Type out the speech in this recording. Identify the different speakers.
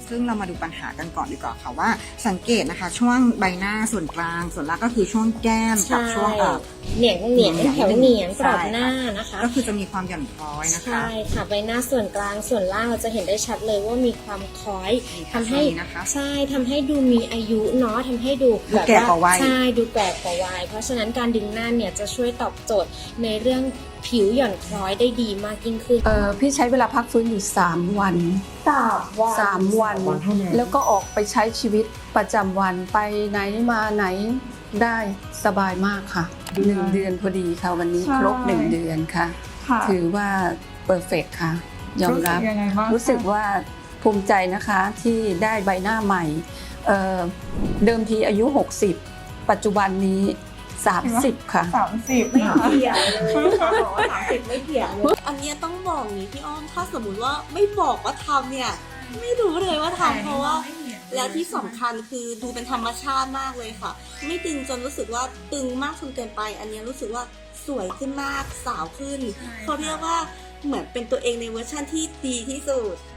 Speaker 1: ซึ่งเรามาดูปัญหากันก่อนดีกว่าค่ะว่าสังเกตนะคะช่วงใบหน้าส่วนกลางส่วนล่างก็คือช่วงแก้มกับช่วง
Speaker 2: เหนียงแถวเหนียงกรอบหน้านะคะ
Speaker 1: ก็คือจะมีความหย่อนคล้อยนะคะ
Speaker 2: ใช่ค่ะใบหน้าส่วนกลางส่วนล่างเราจะเห็นได้ชัดเลยว่ามีความคล้อยทำให้ใช่ทำให้ดูมีอายุเนาะทำให้ดู
Speaker 1: แก่กว่าวัย
Speaker 2: ใช่ดูแก่กว่าวัยเพราะฉะนั้นการดึงหน้าเนี่ยจะช่วยตอบโจทย์ในเรื่องผิวหย่อนคล้อยได้ดีมากยิ่งขึ้น
Speaker 3: พี่ใช้เวลาพักฟื้นอยู่3 วัน3 วันแล้วก็ออกไปใช้ชีวิตประจำวันไปไหนมาไหนได้สบายมากค่ะ1 เดือนพอดีค่ะวันนี้ครบ1 เดือนค่ะถือว่าเพอร์เฟกต์ค่ะยอมรับรู้สึกว่าภูมิใจนะคะที่ได้ใบหน้าใหม่เดิมทีอายุ60ปัจจุบันนี้30ค่ะ
Speaker 4: 30ไม่เถียงเลยบอกว่า30ไม่เถียงเลยอันนี้ต้องบอกนี้พี่อ้อมถ้าสมมุติว่าไม่บอกว่าทำเนี่ยไม่รู้เลยว่าทำเพราะว่าแล้วที่สำคัญคือดูเป็นธรรมชาติมากเลยค่ะไม่ตึงจนรู้สึกว่าตึงมากจนเกินไปอันนี้รู้สึกว่าสวยขึ้นมากสาวขึ้นเขาเรียกว่าเหมือนเป็นตัวเองในเวอร์ชั่นที่ดีที่สุด